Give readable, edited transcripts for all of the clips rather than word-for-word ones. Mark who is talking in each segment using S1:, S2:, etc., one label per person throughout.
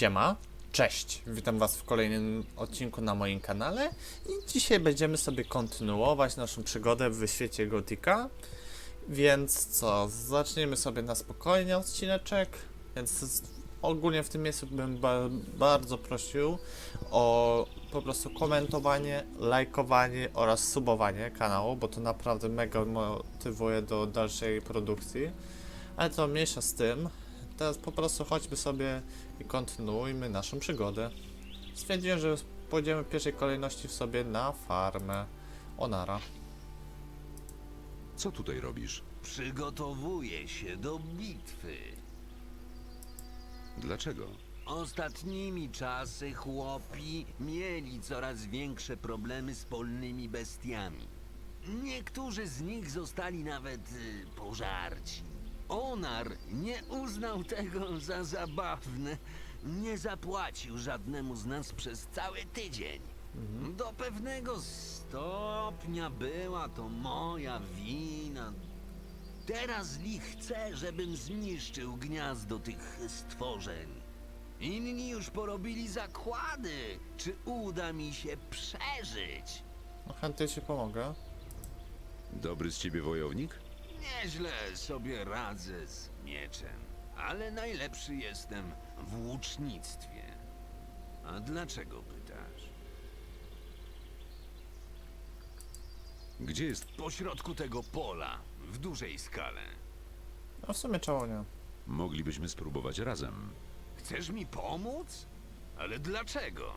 S1: Siema, cześć, witam was w kolejnym odcinku na moim kanale i dzisiaj będziemy sobie kontynuować naszą przygodę w świecie Gothica. Więc co, zaczniemy sobie na spokojnie odcineczek, więc ogólnie w tym miejscu bym bardzo prosił o po prostu komentowanie, lajkowanie oraz subowanie kanału, bo to naprawdę mega motywuje do dalszej produkcji. Ale to mniejsza z tym. Teraz po prostu chodźmy sobie i kontynuujmy naszą przygodę. Stwierdziłem, że pójdziemy w pierwszej kolejności sobie na farmę Onara.
S2: Co tutaj robisz?
S3: Przygotowuję się do bitwy.
S2: Dlaczego?
S3: Ostatnimi czasy chłopi mieli coraz większe problemy z polnymi bestiami. Niektórzy z nich zostali nawet pożarci. Onar nie uznał tego za zabawne. Nie zapłacił żadnemu z nas przez cały tydzień. Do pewnego stopnia była to moja wina. Teraz Li chce, żebym zniszczył gniazdo tych stworzeń. Inni już porobili zakłady, czy uda mi się przeżyć.
S1: No chętnie ci pomogę.
S2: Dobry z ciebie wojownik?
S3: Nieźle sobie radzę z mieczem, ale najlepszy jestem w łucznictwie. A dlaczego pytasz?
S2: Gdzie jest?
S3: Pośrodku tego pola, w dużej skale.
S1: No w sumie czemu nie?
S2: Moglibyśmy spróbować razem.
S3: Chcesz mi pomóc? Ale dlaczego?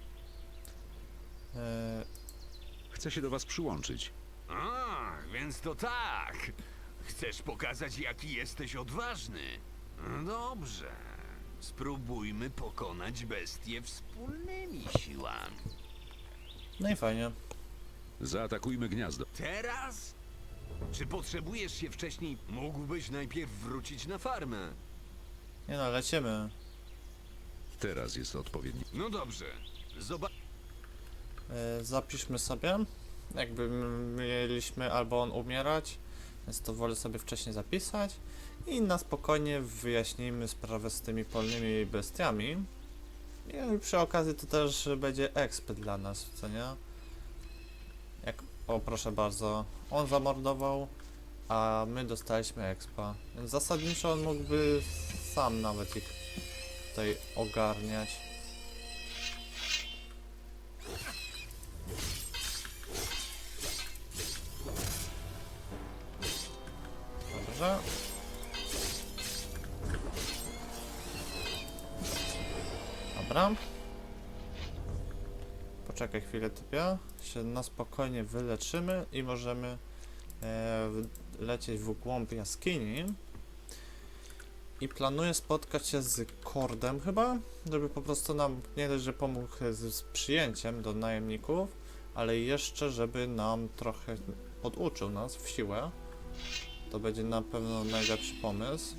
S2: Chcę się do was przyłączyć.
S3: A, więc to tak. Chcesz pokazać, jaki jesteś odważny? Dobrze. Spróbujmy pokonać bestię wspólnymi siłami.
S1: No i fajnie.
S2: Zaatakujmy gniazdo.
S3: Teraz? Czy potrzebujesz się wcześniej? Mógłbyś najpierw wrócić na farmę.
S1: Nie no, lecimy.
S2: Teraz jest odpowiedni.
S3: No dobrze. Zobacz.
S1: Zapiszmy sobie. Jakby mieliśmy albo on umierać, więc to wolę sobie wcześniej zapisać. I na spokojnie wyjaśnijmy sprawę z tymi polnymi bestiami. I przy okazji to też będzie exp dla nas, co nie? O, proszę bardzo, on zamordował, a my dostaliśmy expa. Więc zasadniczo on mógłby sam nawet ich tutaj ogarniać. Dobrze. Dobra. Poczekaj chwilę, typie. Się na spokojnie wyleczymy i możemy lecieć w głąb jaskini. I planuję spotkać się z Kordem chyba, żeby po prostu nam nie dość, że pomógł z przyjęciem do najemników, ale jeszcze żeby nam trochę poduczył nas w siłę. To będzie na pewno najlepszy pomysł.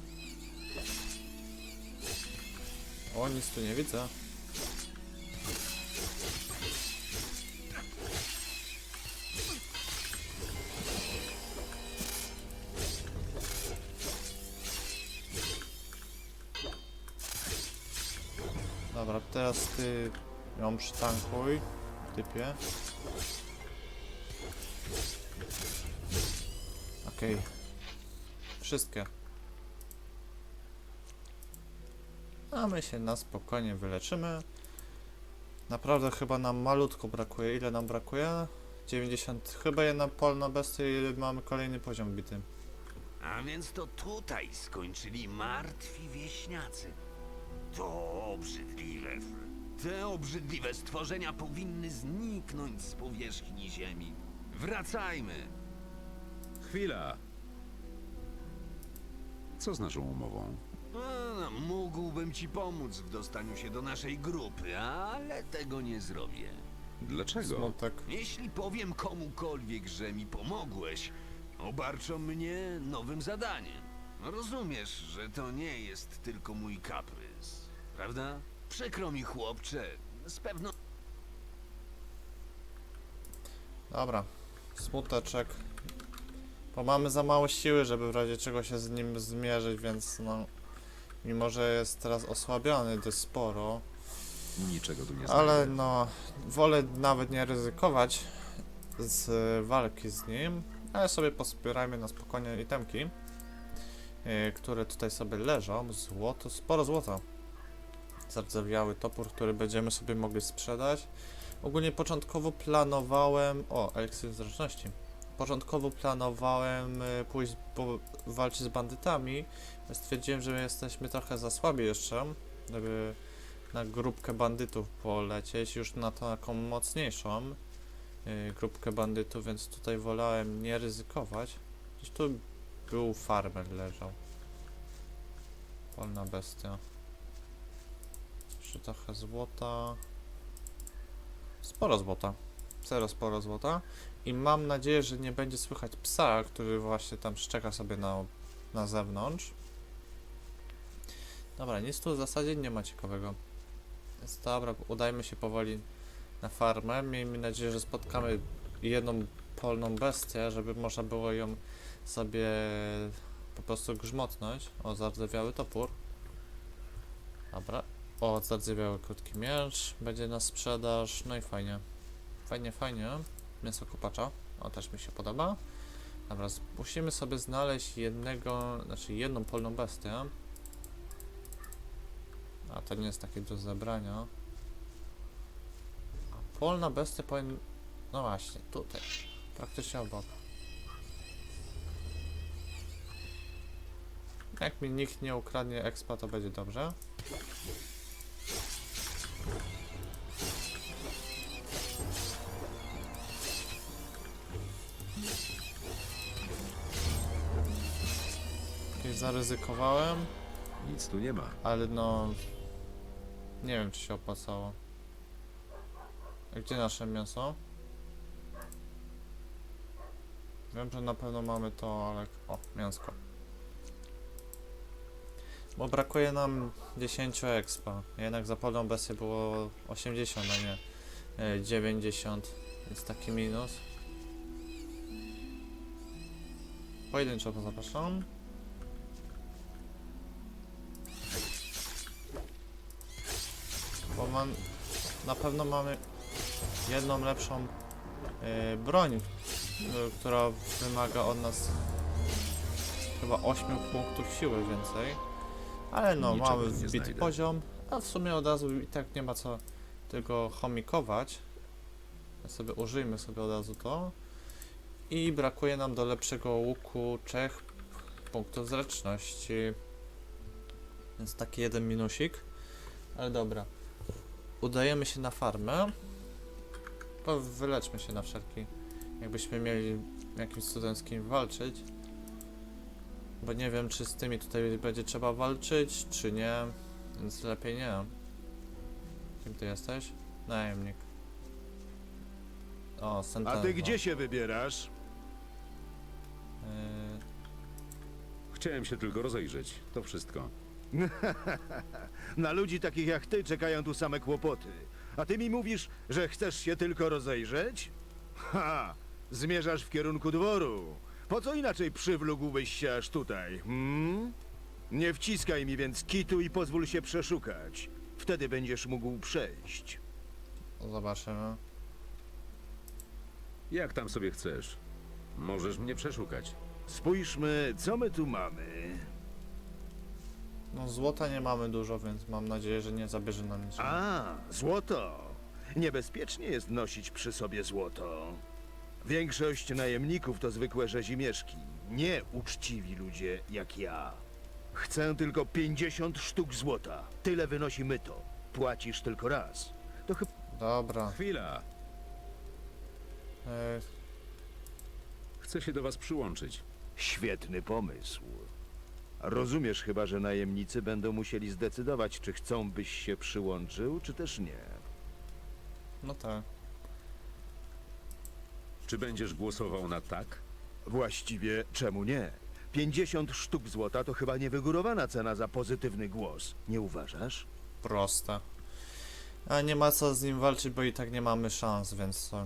S1: O, nic tu nie widzę. Dobra, teraz ty ją przytankuj, typie. Okej. Wszystkie. A my się na spokojnie wyleczymy. Naprawdę chyba nam malutko brakuje. Ile nam brakuje? 90. Chyba jedna polna bestia i mamy kolejny poziom bity.
S3: A więc to tutaj skończyli martwi wieśniacy. To obrzydliwe. Te obrzydliwe stworzenia powinny zniknąć z powierzchni ziemi. Wracajmy.
S2: Chwila! Co z naszą umową?
S3: Mógłbym ci pomóc w dostaniu się do naszej grupy, ale tego nie zrobię.
S2: Dlaczego?
S1: Smutek.
S3: Jeśli powiem komukolwiek, że mi pomogłeś, obarczą mnie nowym zadaniem. Rozumiesz, że to nie jest tylko mój kaprys, prawda? Przykro mi, chłopcze, z pewnością.
S1: Dobra. Smuteczek. Bo mamy za mało siły, żeby w razie czego się z nim zmierzyć, więc no... Mimo, że jest teraz osłabiony dość sporo.
S2: Niczego tu nie
S1: Ale
S2: znajdę.
S1: no, wolę nawet nie ryzykować z walki z nim, ale sobie pospierajmy na spokojnie itemki, które tutaj sobie leżą. Złoto, sporo złota. Zardzewiały topór, który będziemy sobie mogli sprzedać. Ogólnie początkowo planowałem... O, eliksir zręczności. Początkowo planowałem pójść walczyć z bandytami. Stwierdziłem, że jesteśmy trochę za słabi jeszcze, żeby na grupkę bandytów polecieć, już na taką mocniejszą grupkę bandytów, więc tutaj wolałem nie ryzykować. Gdzieś tu był farmer leżał. Polna bestia. Jeszcze trochę złota. Sporo złota. Sporo złota. I mam nadzieję, że nie będzie słychać psa, który właśnie tam szczeka sobie na zewnątrz. Dobra, nic tu w zasadzie nie ma ciekawego. Więc dobra, udajmy się powoli na farmę. Miejmy nadzieję, że spotkamy jedną polną bestię, żeby można było ją sobie po prostu grzmotnąć. O, zardzewiały topór. Dobra. O, zardzewiały krótki miecz. Będzie na sprzedaż. No i fajnie. Fajnie. Mięso kupacza. O, też mi się podoba. Dobra, musimy sobie znaleźć jedną polną bestię. A to nie jest takie do zebrania. A polna bestia powinien... No właśnie, tutaj. Praktycznie obok. Jak mi nikt nie ukradnie expa, to będzie dobrze. Jakieś zaryzykowałem,
S2: Nic tu nie ma.
S1: ale no... Nie wiem, czy się opłacało. A gdzie nasze mięso? Wiem, że na pewno mamy to, ale... O, mięsko. Bo brakuje nam 10 expa. Jednak za polną bestię było 80, a nie 90. Więc taki minus. Pojedynczo to zapraszam. Bo na pewno mamy jedną lepszą broń, która wymaga od nas chyba 8 punktów siły więcej. Ale no,
S2: Niczego
S1: mamy
S2: nie
S1: wbity
S2: znajdę.
S1: poziom, a w sumie od razu i tak nie ma co tego chomikować. Użyjmy sobie od razu to. I brakuje nam do lepszego łuku 3 punktów zręczności. Więc taki jeden minusik. Ale dobra. Udajemy się na farmę. Wyleczmy się na wszelki. Jakbyśmy mieli jakimś cudem z kim walczyć. Bo nie wiem, czy z tymi tutaj będzie trzeba walczyć, czy nie. Więc lepiej nie. Kim ty jesteś? Najemnik. O, Sentenza.
S4: A ty gdzie się wybierasz?
S2: Chciałem się tylko rozejrzeć. To wszystko.
S4: Na ludzi takich jak ty czekają tu same kłopoty. A ty mi mówisz, że chcesz się tylko rozejrzeć? Ha! Zmierzasz w kierunku dworu. Po co inaczej przywlókłbyś się aż tutaj, Nie wciskaj mi więc kitu i pozwól się przeszukać. Wtedy będziesz mógł przejść.
S1: Zobaczymy.
S2: Jak tam sobie chcesz? Możesz mnie przeszukać.
S4: Spójrzmy, co my tu mamy.
S1: No złota nie mamy dużo, więc mam nadzieję, że nie zabierze nam niczego.
S4: A, złoto. Niebezpiecznie jest nosić przy sobie złoto. Większość najemników to zwykłe rzezimieszki, nie uczciwi ludzie jak ja. Chcę tylko 50 sztuk złota. Tyle wynosi myto. Płacisz tylko raz. To chyba...
S1: Dobra.
S2: Chwila!
S1: E,
S2: Chcę się do was przyłączyć.
S4: Świetny pomysł. Rozumiesz chyba, że najemnicy będą musieli zdecydować, czy chcą, byś się przyłączył, czy też nie.
S1: no tak.
S2: Czy będziesz głosował na tak?
S4: Właściwie czemu nie? 50 sztuk złota to chyba niewygórowana cena za pozytywny głos. Nie uważasz?
S1: Proste. A nie ma co z nim walczyć, bo i tak nie mamy szans, więc co?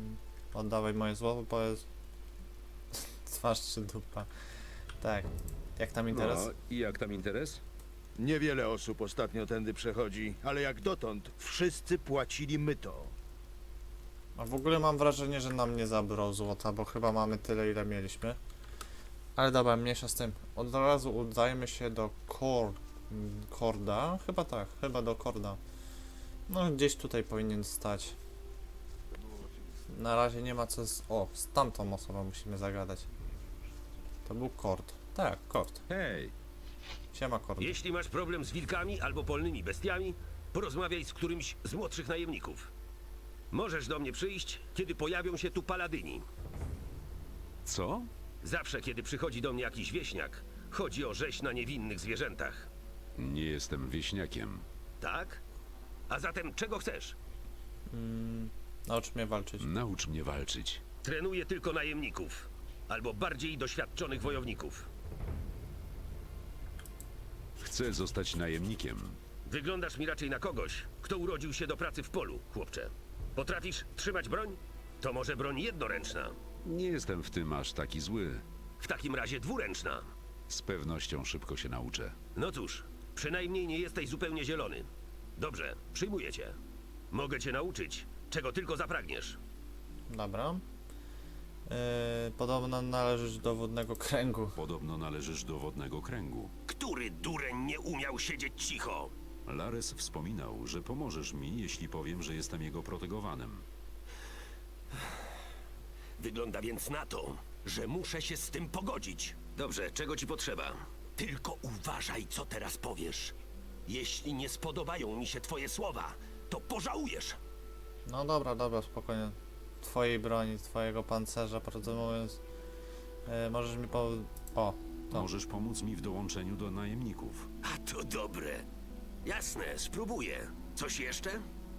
S1: Oddawaj moje złoto, bo jest... Twarz czy dupa. Tak. Jak tam interes?
S2: No i jak tam interes?
S4: Niewiele osób ostatnio tędy przechodzi, ale jak dotąd wszyscy płacili myto.
S1: A w ogóle mam wrażenie, że nam nie zabrał złota, bo chyba mamy tyle, ile mieliśmy. Ale dobra, mniejsza z tym. Od razu udajmy się do Korda. Chyba tak, chyba do Korda. No gdzieś tutaj powinien stać. Na razie nie ma co O, z tamtą osobą musimy zagadać. To był Kord. Tak, Kord.
S2: Hej,
S1: Siema Kord.
S5: Jeśli masz problem z wilkami albo polnymi bestiami, porozmawiaj z którymś z młodszych najemników. Możesz do mnie przyjść, kiedy pojawią się tu paladyni.
S2: co?
S5: Zawsze, kiedy przychodzi do mnie jakiś wieśniak, chodzi o rzeź na niewinnych zwierzętach.
S2: Nie jestem wieśniakiem.
S5: Tak? A zatem czego chcesz?
S1: Naucz mnie walczyć.
S2: Naucz mnie walczyć.
S5: Trenuję tylko najemników, albo bardziej doświadczonych wojowników.
S2: Chcę zostać najemnikiem.
S5: Wyglądasz mi raczej na kogoś, kto urodził się do pracy w polu, chłopcze. Potrafisz trzymać broń? To może broń jednoręczna.
S2: Nie jestem w tym aż taki zły.
S5: W takim razie dwuręczna.
S2: Z pewnością szybko się nauczę.
S5: No cóż, przynajmniej nie jesteś zupełnie zielony. Dobrze, przyjmuję cię. Mogę cię nauczyć, czego tylko zapragniesz.
S1: Dobra. Podobno należysz do wodnego kręgu.
S2: Podobno należysz do wodnego kręgu.
S5: Który dureń nie umiał siedzieć cicho?
S2: Lares wspominał, że pomożesz mi, jeśli powiem, że jestem jego protegowanym.
S5: Wygląda więc na to, że muszę się z tym pogodzić. Dobrze, czego ci potrzeba? Tylko uważaj, co teraz powiesz. Jeśli nie spodobają mi się twoje słowa, to pożałujesz.
S1: No dobra, dobra, spokojnie. Twojej broni, twojego pancerza, prawdę mówiąc. Możesz mi O, to.
S2: Możesz pomóc mi w dołączeniu do najemników.
S5: A to dobre. Jasne, spróbuję. Coś jeszcze?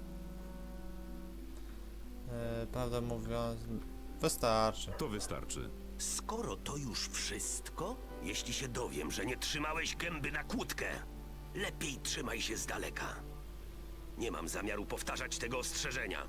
S1: Prawdę mówiąc, wystarczy.
S2: To wystarczy.
S5: Skoro to już wszystko, jeśli się dowiem, że nie trzymałeś gęby na kłódkę, lepiej trzymaj się z daleka. Nie mam zamiaru powtarzać tego ostrzeżenia.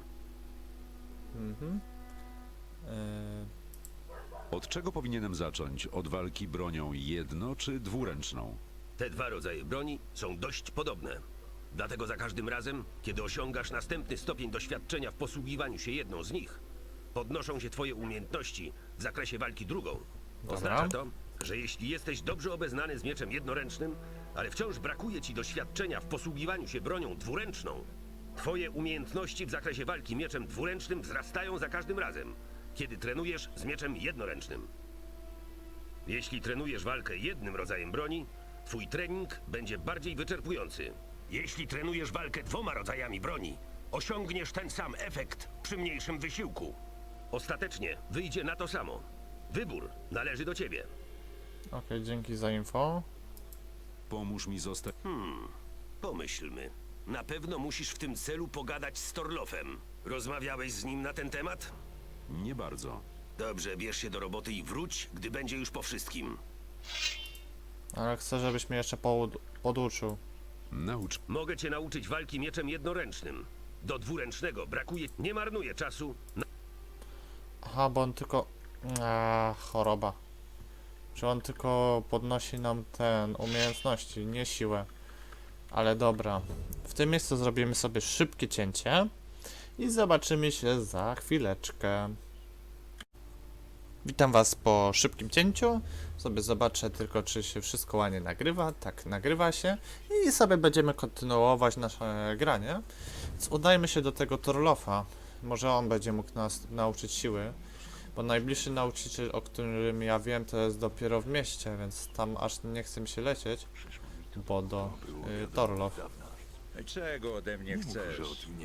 S2: Od czego powinienem zacząć? Od walki bronią jedno- czy dwuręczną?
S5: Te dwa rodzaje broni są dość podobne. Dlatego za każdym razem, kiedy osiągasz następny stopień doświadczenia w posługiwaniu się jedną z nich, podnoszą się twoje umiejętności w zakresie walki drugą. Oznacza to, że jeśli jesteś dobrze obeznany z mieczem jednoręcznym, ale wciąż brakuje ci doświadczenia w posługiwaniu się bronią dwuręczną, twoje umiejętności w zakresie walki mieczem dwuręcznym wzrastają za każdym razem, kiedy trenujesz z mieczem jednoręcznym. Jeśli trenujesz walkę jednym rodzajem broni, twój trening będzie bardziej wyczerpujący. Jeśli trenujesz walkę dwoma rodzajami broni, osiągniesz ten sam efekt przy mniejszym wysiłku. Ostatecznie wyjdzie na to samo. Wybór należy do ciebie.
S1: Okej, dzięki za info.
S2: Pomóż mi zostać...
S5: Pomyślmy. Na pewno musisz w tym celu pogadać z Torlofem. Rozmawiałeś z nim na ten temat?
S2: Nie bardzo.
S5: Dobrze, bierz się do roboty i wróć, gdy będzie już po wszystkim.
S1: Ale chcę, żebyś mnie jeszcze poduczył.
S2: Naucz...
S5: Mogę cię nauczyć walki mieczem jednoręcznym. Do dwuręcznego brakuje... Nie marnuję czasu.
S1: Aha, bo on tylko... choroba. Czy on tylko podnosi nam umiejętności, nie siłę. Ale dobra. W tym miejscu zrobimy sobie szybkie cięcie. I zobaczymy się za chwileczkę. Witam was po szybkim cięciu. Sobie zobaczę tylko, czy się wszystko ładnie nagrywa. Tak, nagrywa się. I sobie będziemy kontynuować nasze granie. Więc udajmy się do tego Torlofa. Może on będzie mógł nas nauczyć siły. Bo najbliższy nauczyciel, o którym ja wiem, to jest dopiero w mieście, więc tam aż nie chcę mi się lecieć. Bo do Torlof.
S6: Czego ode mnie chcesz?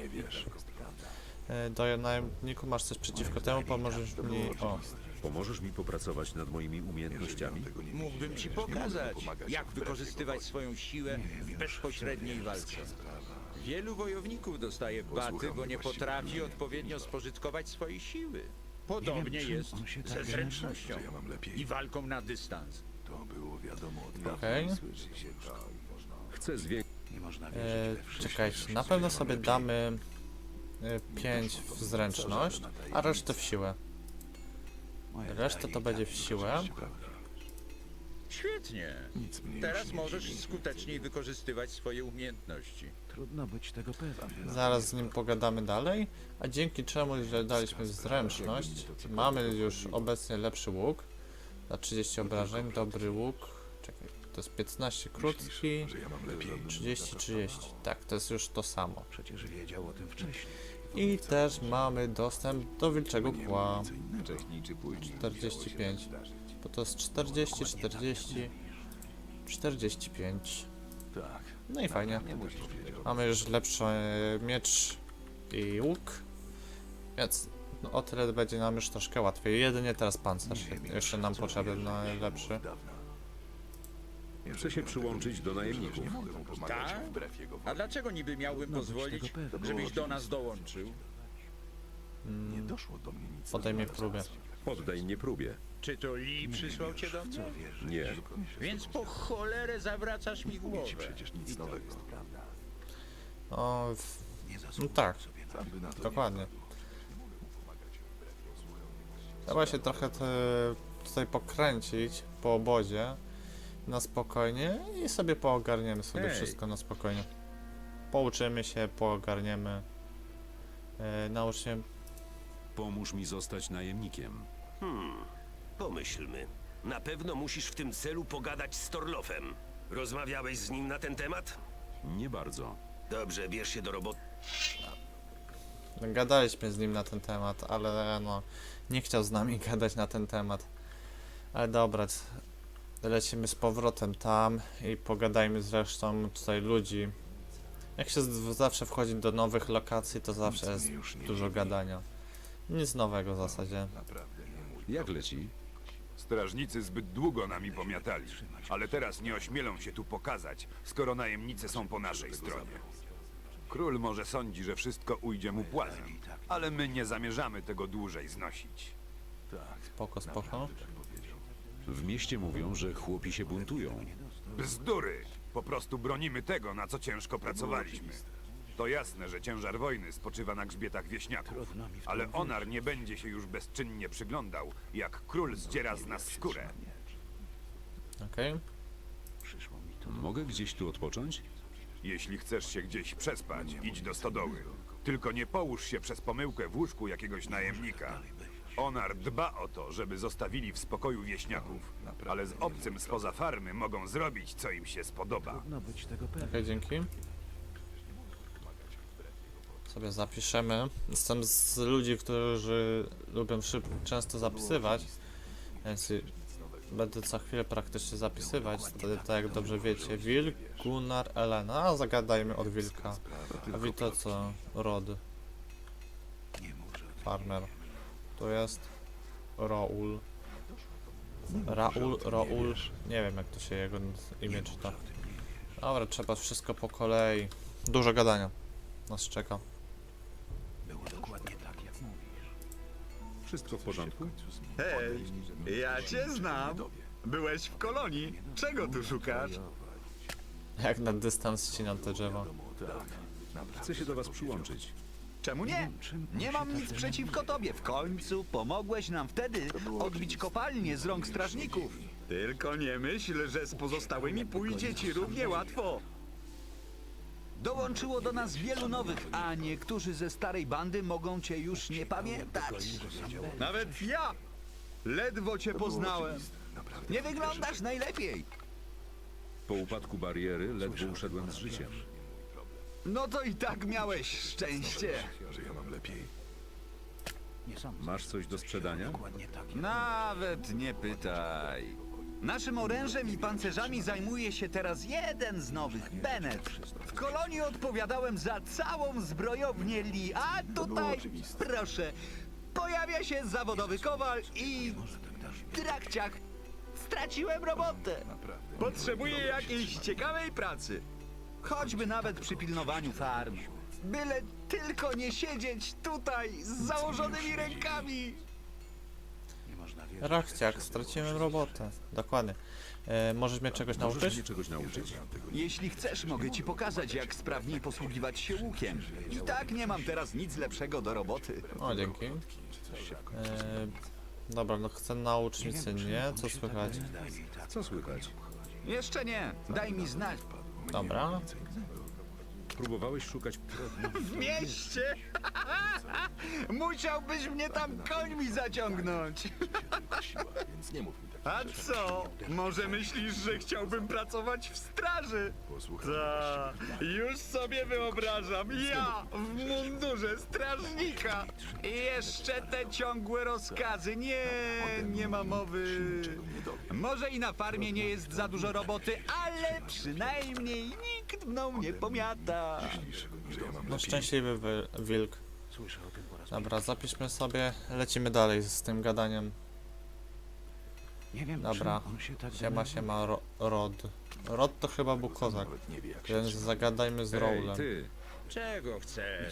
S1: Do najemniku masz coś przeciwko temu, pomożesz mi... O,
S2: Pomożesz mi popracować nad moimi umiejętnościami?
S6: Mógłbym ci pokazać, jak wykorzystywać swoją siłę w bezpośredniej walce. Wielu wojowników dostaje baty, bo nie potrafi odpowiednio spożytkować swojej siły. Podobnie jest ze zręcznością i walką na dystans.
S1: okej.
S2: Chcę zwiększyć...
S1: Czekajcie, na pewno sobie damy 5 w zręczność, a resztę w siłę. Reszta to będzie w siłę.
S6: Świetnie. Teraz możesz skuteczniej wykorzystywać swoje umiejętności.
S4: Trudno być tego pewnym.
S1: Zaraz z nim pogadamy dalej, a dzięki czemu, że daliśmy zręczność, mamy już obecnie lepszy łuk. Za 30 obrażeń, dobry łuk. Czekaj, to jest 15 krótki, 30. Tak, to jest już to samo.
S4: Przecież wiedział o tym wcześniej.
S1: I też mamy dostęp do wilczego kła. 45. Bo to jest 40, 45.
S4: Tak.
S1: No i fajnie. Mamy już lepszy miecz i łuk. Więc no, o tyle będzie nam już troszkę łatwiej. Jedynie teraz pancerz jeszcze nam potrzebny najlepszy.
S2: Chcę się przyłączyć do najemników.
S6: Tak? A dlaczego niby miałbym pozwolić, żebyś do nas dołączył?
S1: Podejmie próbę.
S2: Poddaj mnie próbie.
S6: Czy to Lee przysłał cię do mnie?
S2: Nie.
S6: Więc po cholerę zawracasz mi głowę.
S1: No, no tak, dokładnie. Trzeba się trochę tutaj pokręcić po obozie na spokojnie i sobie poogarniemy sobie wszystko na spokojnie. Pouczymy się, poogarniemy. Naucznie.
S2: Pomóż mi zostać najemnikiem.
S5: Pomyślmy. Na pewno musisz w tym celu pogadać z Torlofem. Rozmawiałeś z nim na ten temat?
S2: Nie bardzo.
S5: Dobrze, bierz się do roboty.
S1: Gadaliśmy z nim na ten temat, ale no nie chciał z nami gadać na ten temat. Ale dobra, lecimy z powrotem tam i pogadajmy z resztą tutaj ludzi. Jak się zawsze wchodzi do nowych lokacji, to zawsze jest dużo gadania. Nic nowego w zasadzie.
S2: Jak leci?
S7: Strażnicy zbyt długo nami pomiatali, ale teraz nie ośmielą się tu pokazać, skoro najemnicy są po naszej stronie. Król może sądzi, że wszystko ujdzie mu płazem, ale my nie zamierzamy tego dłużej znosić.
S1: Spoko, spoko.
S2: W mieście mówią, że chłopi się buntują.
S7: Bzdury! Po prostu bronimy tego, na co ciężko pracowaliśmy. To jasne, że ciężar wojny spoczywa na grzbietach wieśniaków, ale Onar nie będzie się już bezczynnie przyglądał, jak król zdziera z nas skórę.
S1: Okej.
S2: Mogę gdzieś tu odpocząć?
S7: Jeśli chcesz się gdzieś przespać, idź do stodoły. Tylko nie połóż się przez pomyłkę w łóżku jakiegoś najemnika. Onar dba o to, żeby zostawili w spokoju wieśniaków, ale z obcym spoza farmy mogą zrobić, co im się spodoba.
S4: Trudno być tego pewnym.
S1: Okej, dzięki. Sobie zapiszemy. Jestem z ludzi, którzy lubią często zapisywać, więc będę co chwilę praktycznie zapisywać. Tak jak dobrze wiecie, Wilk, Gunnar, Elena. A zagadajmy od Wilka. A wi to co? Rod. Farmer. Tu jest Raul. Raul. Nie wiem jak to się jego imię czyta. Dobra, trzeba wszystko po kolei. Dużo gadania nas czeka.
S2: Wszystko w porządku?
S8: Hej, ja cię znam. Byłeś w kolonii. Czego tu szukasz?
S1: Jak na dystans ścinam te drzewa.
S2: Chcę się do was przyłączyć.
S8: Czemu nie? Nie mam nic przeciwko tobie. W końcu pomogłeś nam wtedy odbić kopalnię z rąk strażników. Tylko nie myśl, że z pozostałymi pójdzie ci równie łatwo. Dołączyło do nas wielu nowych, a niektórzy ze starej bandy mogą cię już nie pamiętać. Nawet ja! Ledwo cię poznałem. Nie wyglądasz najlepiej.
S2: Po upadku bariery ledwo uszedłem z życiem.
S8: No to i tak miałeś szczęście.
S2: Masz coś do sprzedania?
S8: Nawet nie pytaj. Naszym orężem i pancerzami zajmuje się teraz jeden z nowych, Bennett. W kolonii odpowiadałem za całą zbrojownię Lee, a tutaj, proszę, pojawia się zawodowy kowal i trakciak. Straciłem robotę. Potrzebuję jakiejś ciekawej pracy. Choćby nawet przy pilnowaniu farm. Byle tylko nie siedzieć tutaj z założonymi rękami.
S1: Rachciak, straciłem robotę. Dokładnie. Możesz mnie czegoś
S2: Możesz
S1: nauczyć?
S2: mnie czegoś nauczyć?
S8: Jeśli chcesz, mogę ci pokazać, jak sprawniej posługiwać się łukiem. I tak nie mam teraz nic lepszego do roboty.
S1: O, dzięki. Dobra, no chcę naucznicy, nie? Co słychać?
S2: Co słychać?
S8: Jeszcze nie. Daj mi znać.
S1: Dobra.
S2: Próbowałeś szukać...
S8: W mieście? Musiałbyś mnie tam końmi zaciągnąć. A co? Może myślisz, że chciałbym pracować w straży? Ta, już sobie wyobrażam. Ja w mundurze strażnika. I jeszcze te ciągłe rozkazy. Nie ma mowy. Może i na farmie nie jest za dużo roboty, ale przynajmniej nikt mną nie pomiata.
S1: No szczęśliwy wilk. Dobra, zapiszmy sobie. Lecimy dalej z tym gadaniem. Dobra. Siema, Rod. Rod to chyba był kozak. Więc zagadajmy z
S2: Ej,
S1: Rowlem.
S2: ty!
S6: Czego chcesz?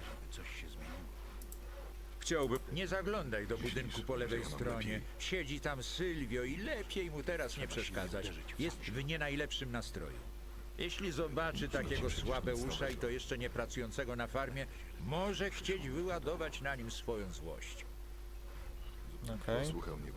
S2: Chciałbym...
S6: Nie zaglądaj do budynku po lewej stronie. Siedzi tam Sylwio i lepiej mu teraz nie przeszkadzać. Jest w nie najlepszym nastroju. Jeśli zobaczy takiego słabeusza i to jeszcze nie pracującego na farmie, może chcieć wyładować na nim swoją złość.
S1: Okej.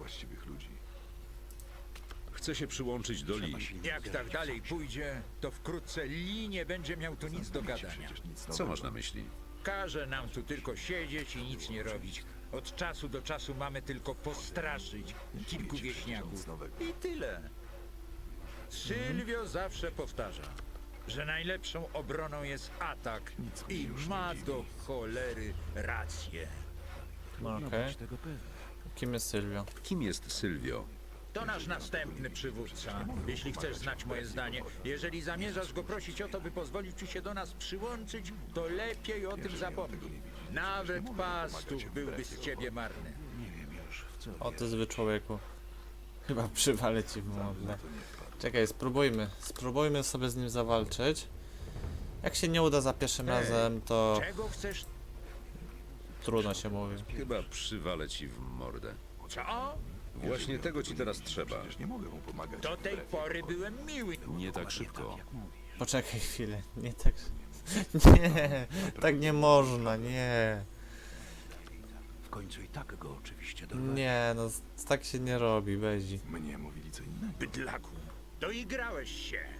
S2: Chcę się przyłączyć do Lee.
S6: Jak tak dalej pójdzie, to wkrótce Lee nie będzie miał tu nic do gadania.
S2: Co masz na myśli?
S6: Każe nam tu tylko siedzieć i nic nie robić. Od czasu do czasu mamy tylko postraszyć kilku wieśniaków. I tyle. Sylwio zawsze powtarza, że najlepszą obroną jest atak i ma do cholery rację.
S1: No okej. Kim jest Sylwio?
S2: Kim jest Sylwio?
S6: To nasz następny przywódca, jeśli chcesz znać moje zdanie. Jeżeli zamierzasz go prosić o to, by pozwolił ci się do nas przyłączyć, to lepiej o tym zapomnij. Nawet pastuch byłby z ciebie marny.
S1: O ty zły człowieku. Chyba przywalę ci w mordę. Czekaj, spróbujmy sobie z nim zawalczyć. Jak się nie uda za pierwszym razem, to
S6: Czego chcesz?
S1: trudno się mówi.
S2: Chyba przywalę ci w mordę.
S6: Co?
S2: Właśnie tego ci teraz trzeba.
S6: Do tej pory byłem miły.
S2: Nie tak szybko.
S1: Poczekaj chwilę, nie tak... Nie, tak nie można, nie.
S9: W końcu i tak go oczywiście
S1: Nie, no tak się nie robi, Bezi.
S9: Mnie mówili co innego.
S6: Bydlaku, doigrałeś się.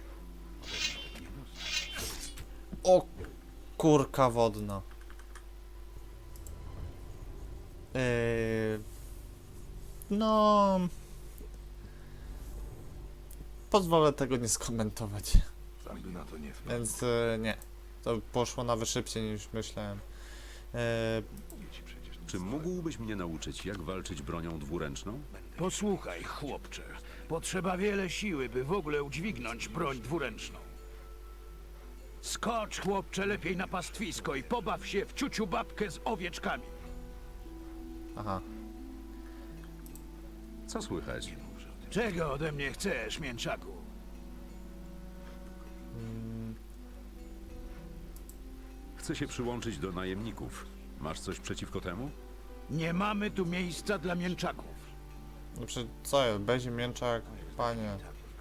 S1: O, kurka wodna. No... Pozwolę tego nie skomentować.
S9: Sam by na to nie wpadł.
S1: Więc nie. To poszło nawet szybciej niż myślałem.
S2: Czy mógłbyś mnie nauczyć, jak walczyć bronią dwuręczną?
S9: Posłuchaj, chłopcze. Potrzeba wiele siły, by w ogóle udźwignąć broń dwuręczną. Skocz, chłopcze, lepiej na pastwisko i pobaw się w ciuciu babkę z owieczkami.
S1: Aha.
S2: Co słychać?
S9: Czego ode mnie chcesz, mięczaku?
S2: Chcę się przyłączyć do najemników. Masz coś przeciwko temu?
S9: Nie mamy tu miejsca dla mięczaków.
S1: Znaczy, co jest? Bezi, mięczak, panie.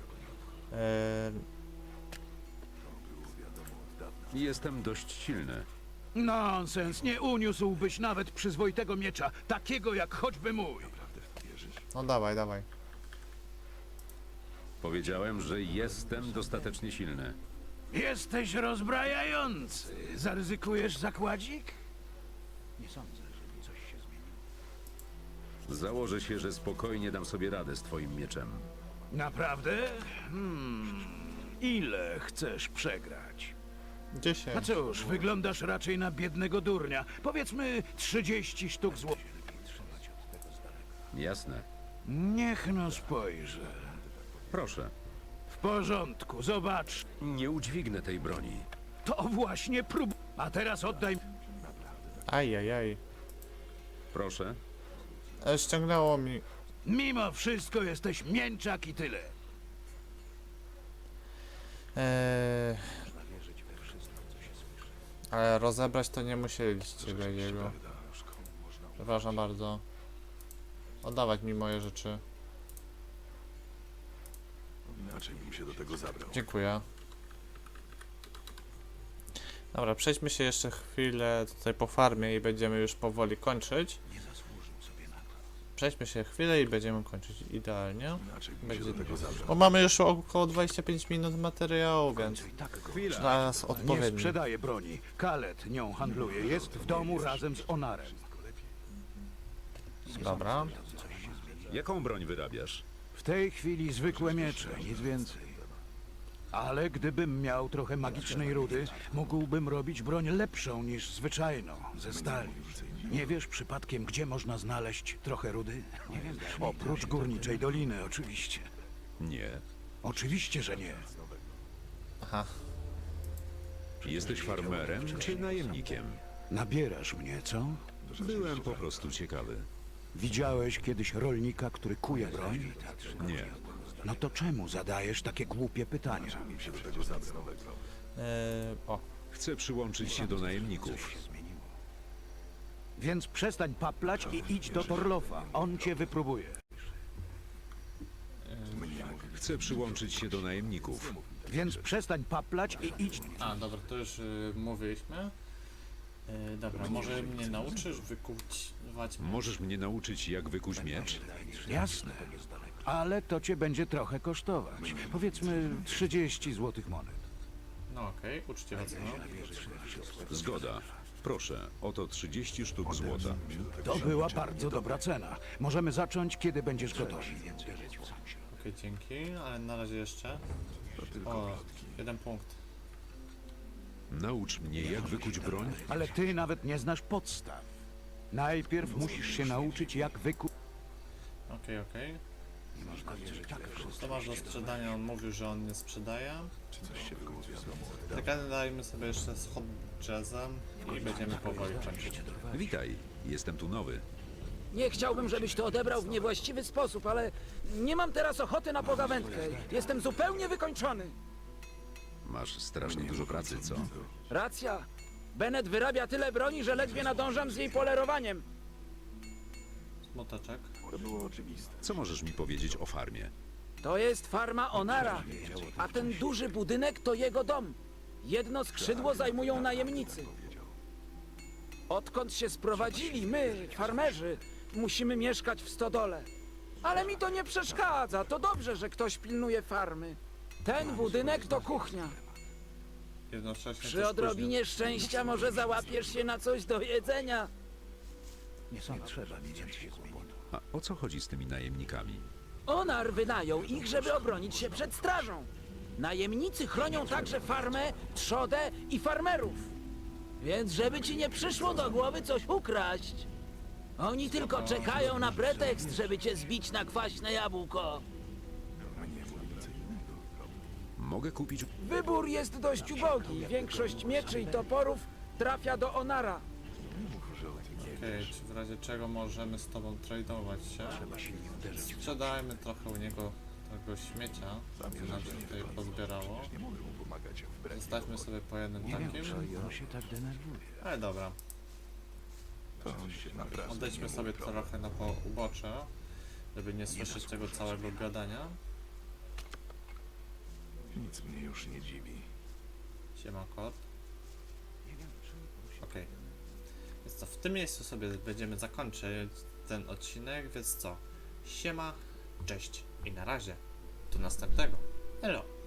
S2: Jestem dość silny.
S9: Nonsens, nie uniósłbyś nawet przyzwoitego miecza, takiego jak choćby mój.
S1: No dawaj.
S2: Powiedziałem, że jestem dostatecznie silny.
S9: Jesteś rozbrajający. Zaryzykujesz zakładzik? Nie sądzę, żeby coś się zmieniło.
S2: Założę się, że spokojnie dam sobie radę z twoim mieczem.
S9: Naprawdę? Ile chcesz przegrać?
S1: 10.
S9: A cóż, wyglądasz raczej na biednego durnia. Powiedzmy 30 sztuk złotych.
S2: Jasne.
S9: Niech no spojrzę.
S2: Proszę.
S9: W porządku, zobacz.
S2: Nie udźwignę tej broni.
S9: To właśnie prób. A teraz oddaj.
S1: Ajajaj.
S2: Proszę.
S1: Ściągnęło mi.
S9: Mimo wszystko jesteś mięczak i tyle.
S1: Ale rozebrać to nie musieliście Beziego. Przepraszam bardzo. Oddawać mi moje rzeczy.
S9: Inaczej bym się do tego zabrał.
S1: Dziękuję. Dobra, przejdźmy się jeszcze chwilę tutaj po farmie i będziemy już powoli kończyć. przejdźmy się chwilę i będziemy kończyć idealnie. Będzie, bo mamy już około 25 minut materiału, więc
S4: Chwila.
S1: czas
S9: Nie
S1: odpowiedni.
S9: sprzedaje broni. Kalet nią handluje. Jest w domu razem z Onarem.
S1: Dobra.
S2: Jaką broń wyrabiasz?
S9: W tej chwili zwykłe miecze, nic więcej. Ale gdybym miał trochę magicznej rudy, mógłbym robić broń lepszą niż zwyczajną, ze stali. Nie wiesz przypadkiem, gdzie można znaleźć trochę rudy? Oprócz Górniczej Doliny, oczywiście.
S2: Nie.
S9: Oczywiście, że nie.
S1: Aha.
S2: Jesteś farmerem czy najemnikiem?
S9: Nabierasz mnie, co?
S2: Byłem po prostu ciekawy.
S9: Widziałeś kiedyś rolnika, który kuje broń?
S2: Nie.
S9: No to czemu zadajesz takie głupie pytania?
S1: O,
S2: Chcę przyłączyć się do najemników.
S9: Więc przestań paplać i idź do Torlofa. On cię wypróbuje.
S2: Chcę przyłączyć się do najemników.
S9: Więc przestań paplać i idź.
S1: a dobra, to już mówiliśmy. Dobra, może mnie nauczysz wykuwać...
S2: Możesz mnie nauczyć, jak wykuć miecz?
S9: Jasne. Ale to cię będzie trochę kosztować. Powiedzmy 30 złotych monet.
S1: No okej, uczciwa cena.
S2: Zgoda. Proszę, oto 30 sztuk złota.
S9: To była bardzo dobra cena. Możemy zacząć, kiedy będziesz gotowy.
S1: Okej, dzięki, ale na razie jeszcze. O, jeden punkt.
S2: Naucz mnie, jak wykuć broń?
S9: Ale ty nawet nie znasz podstaw. Najpierw musisz się nauczyć, jak wykuć.
S1: Okej. Co masz do sprzedania? On mówił, że on nie sprzedaje. Tak, dajmy sobie jeszcze z hot jazzem i będziemy powoli kończyć.
S2: Witaj, jestem tu nowy.
S10: Nie chciałbym, żebyś to odebrał w niewłaściwy sposób, ale nie mam teraz ochoty na pogawędkę. Jestem zupełnie wykończony.
S2: Masz strasznie dużo pracy, co?
S10: Racja. Bennett wyrabia tyle broni, że ledwie nadążam z jej polerowaniem.
S1: Smuteczek.
S2: Co możesz mi powiedzieć o farmie?
S10: To jest farma Onara, a ten duży budynek to jego dom. Jedno skrzydło zajmują najemnicy. Odkąd się sprowadzili, my, farmerzy, musimy mieszkać w stodole. Ale mi to nie przeszkadza, to dobrze, że ktoś pilnuje farmy. Ten budynek to kuchnia.
S1: Jednocześnie
S10: Przy
S1: też
S10: odrobinie szczęścia może załapiesz się na coś do jedzenia.
S9: Nie trzeba widzieć się kłopotu.
S2: A o co chodzi z tymi najemnikami?
S10: Onar wynajął ich, żeby obronić się przed strażą. Najemnicy chronią także farmę, trzodę i farmerów. Więc żeby ci nie przyszło do głowy coś ukraść. Oni tylko czekają na pretekst, żeby cię zbić na kwaśne jabłko.
S2: Mogę kupić...
S10: Wybór jest dość ubogi. Większość mieczy i toporów trafia do Onara.
S1: Okej, czy w razie czego możemy z tobą tradować się? Sprzedajmy trochę u niego tego śmiecia, co nam się tutaj pozbierało. Zostawmy sobie po jednym takim.
S9: On się tak denerwuje.
S1: Ale dobra. Odejdźmy sobie trochę na ubocze, żeby nie słyszeć tego całego gadania.
S7: Nic mnie już nie dziwi.
S1: Siema kot. Okej. Więc co, w tym miejscu sobie będziemy zakończyć ten odcinek, więc co? Siema, cześć i na razie. Do następnego. Elo.